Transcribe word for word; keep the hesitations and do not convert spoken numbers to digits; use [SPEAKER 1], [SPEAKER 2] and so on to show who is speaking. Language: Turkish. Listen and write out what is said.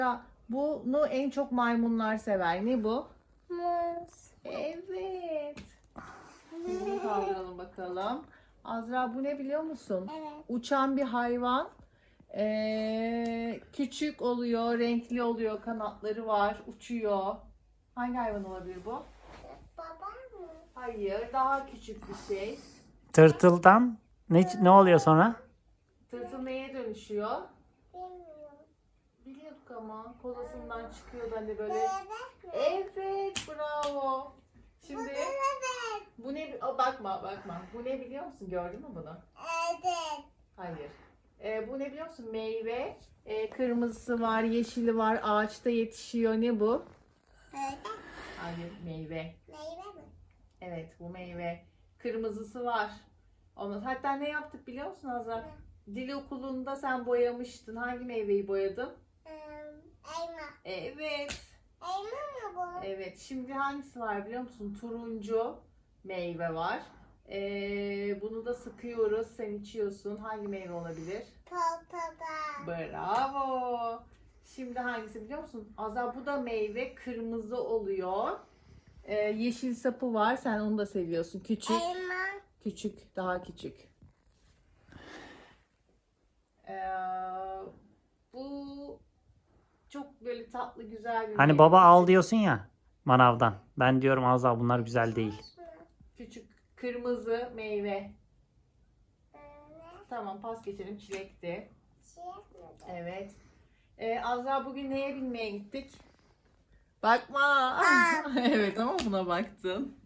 [SPEAKER 1] Ya, bunu en çok maymunlar sever. Ne bu?
[SPEAKER 2] Muz.
[SPEAKER 1] Evet. Bunu kaldıralım bakalım. Azra, bu ne biliyor musun?
[SPEAKER 2] Evet.
[SPEAKER 1] Uçan bir hayvan. Ee, küçük oluyor, renkli oluyor, kanatları var, uçuyor. Hangi hayvan olabilir bu?
[SPEAKER 2] Baba mı?
[SPEAKER 1] Hayır, daha küçük bir şey.
[SPEAKER 3] Tırtıldan ne, ne oluyor sonra?
[SPEAKER 1] Tırtıl neye dönüşüyor?
[SPEAKER 2] Bilmiyorum.
[SPEAKER 1] Biliyorduk ama kolasından çıkıyordu hani böyle.
[SPEAKER 2] Bebek mi?
[SPEAKER 1] Evet, bravo. Şimdi
[SPEAKER 2] Evet.
[SPEAKER 1] bu ne? Aa, bakma, bakma. Bu ne biliyor musun? Gördün mü bunu?
[SPEAKER 2] Evet.
[SPEAKER 1] Hayır. Ee, bu ne biliyor musun? Meyve. Ee, kırmızısı var, yeşili var. Ağaçta yetişiyor. Ne bu?
[SPEAKER 2] Evet.
[SPEAKER 1] Hayır, meyve.
[SPEAKER 2] Meyve mi?
[SPEAKER 1] Evet, bu meyve. Kırmızısı var. Onu, hatta ne yaptık biliyor musun Azra? Dil okulunda sen boyamıştın. Hangi meyveyi boyadın?
[SPEAKER 2] Ee, elma.
[SPEAKER 1] Evet.
[SPEAKER 2] Elma mı bu?
[SPEAKER 1] Evet. Şimdi hangisi var biliyor musun? Turuncu meyve var. Ee, bunu da sıkıyoruz. Sen içiyorsun. Hangi meyve olabilir?
[SPEAKER 2] Portakal.
[SPEAKER 1] Bravo. Şimdi hangisi biliyor musun? Azra, bu da meyve. Kırmızı oluyor. Ee, yeşil sapı var. Sen onu da seviyorsun. Küçük.
[SPEAKER 2] Elma.
[SPEAKER 1] Küçük. Daha küçük. Ee, bu çok böyle tatlı, güzel bir
[SPEAKER 3] Hani
[SPEAKER 1] meyve.
[SPEAKER 3] baba al
[SPEAKER 1] Küçük.
[SPEAKER 3] diyorsun ya manavdan. Ben diyorum az daha bunlar güzel değil.
[SPEAKER 1] Küçük kırmızı meyve.
[SPEAKER 2] Ee, ne?
[SPEAKER 1] Tamam, pas geçelim. Çilekti.
[SPEAKER 2] Şey mi?
[SPEAKER 1] Evet. Ee, Azra, bugün neye binmeye gittik? Bakma. Evet, ama buna baktın.